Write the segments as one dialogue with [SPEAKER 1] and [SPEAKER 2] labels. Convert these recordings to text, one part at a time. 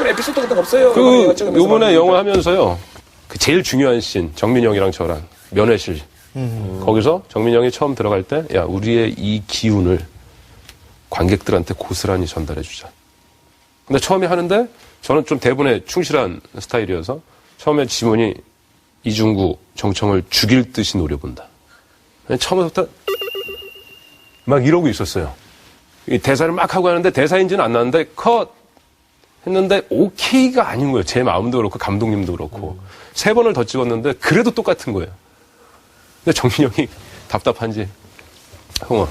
[SPEAKER 1] 그런 에피소드 같은 거 없어요?
[SPEAKER 2] 요번에 영화 하면서요. 그 제일 중요한 씬, 정민영이랑 저랑 면회실. 거기서 정민영이 처음 들어갈 때, 야, 우리의 이 기운을 관객들한테 고스란히 전달해 주자. 근데 처음에 하는데 저는 좀 대본에 충실한 스타일이어서 처음에 지문이 이중구, 정청을 죽일 듯이 노려본다. 처음부터 막 이러고 있었어요. 이 대사를 막 하고 하는데 대사인지는 안 나는데 컷 했는데 오케이가 아닌 거예요. 제 마음도 그렇고 감독님도 그렇고. 3번을 더 찍었는데 그래도 똑같은 거예요. 근데 정민영이 답답한지 형아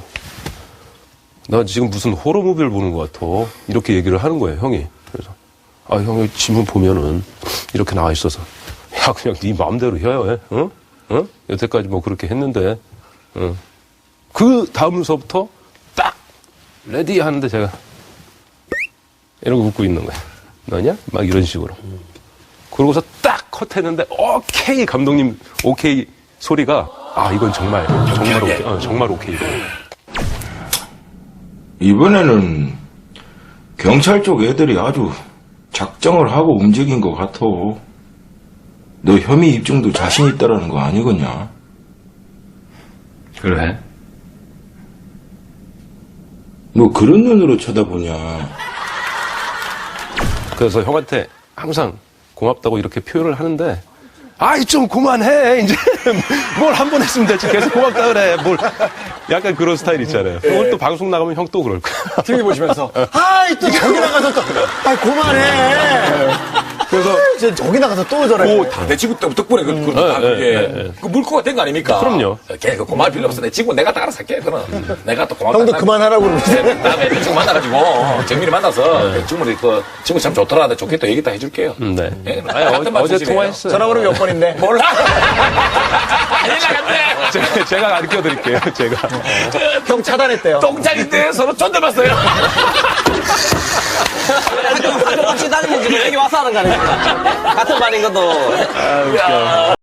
[SPEAKER 2] 나 지금 무슨 호러 무비를 보는 것 같아. 이렇게 얘기를 하는 거예요, 형이. 그래서 아, 형이 지문 보면은 이렇게 나와 있어서 야, 그냥 네 마음대로 해야 해. 응? 응? 여태까지 뭐 그렇게 했는데. 응. 그 다음서부터 딱 레디 하는데 제가 이러고 웃고 있는 거야. 너냐? 막 이런 식으로. 그러고서 딱 컷했는데 오케이 감독님 오케이 소리가 아 이건 정말 오케이. 정말 오케이.
[SPEAKER 3] 이번에는 경찰 쪽 애들이 아주 작정을 하고 움직인 것 같아. 너 혐의 입증도 자신 있다라는 거 아니겠냐?
[SPEAKER 2] 그래?
[SPEAKER 3] 뭐 그런 눈으로 쳐다보냐?
[SPEAKER 2] 그래서 형한테 항상 고맙다고 이렇게 표현을 하는데 아이 좀 그만해 이제 뭘 한 번 했으면 되지 계속 고맙다 그래 뭘 약간 그런 스타일 있잖아요. 오늘 또 방송 나가면 형 또 그럴 거야.
[SPEAKER 1] TV 보시면서
[SPEAKER 4] 아이, 또 저기 나가서 또, 아이, 그만해.
[SPEAKER 2] 그래서
[SPEAKER 4] 저기 나가서 또 저래.
[SPEAKER 1] 내 지구 덕분에 그게 물고가 된 거 아닙니까?
[SPEAKER 2] 그럼요.
[SPEAKER 1] 걔 그 고마울 필요 없어. 내 지구 내가 다 알아서 할게. 그럼 내가 또 고맙다.
[SPEAKER 4] 형도 그만하라고 그러는데.
[SPEAKER 1] 다음에 그 친구 만나가지고 정민이 만나서 친구들이 그 친구 참 좋더라. 나 좋겠다 얘기 다 해줄게요.
[SPEAKER 2] 네.
[SPEAKER 1] 예,
[SPEAKER 2] 아니,
[SPEAKER 1] 같은 말
[SPEAKER 2] 어제
[SPEAKER 1] 주시네요.
[SPEAKER 2] 통화했어요.
[SPEAKER 4] 전화번호 몇 번인데.
[SPEAKER 1] 몰라. 연락한대.
[SPEAKER 2] 제가 가르쳐 드릴게요. 제가.
[SPEAKER 4] 형 차단했대요.
[SPEAKER 1] 똥장인데 서로 존댓봤어요.
[SPEAKER 5] 학교 같이 다니는 지금 여기 와서 하는 거 아닙니까? 같은 말인 것도.
[SPEAKER 2] 아, 웃겨.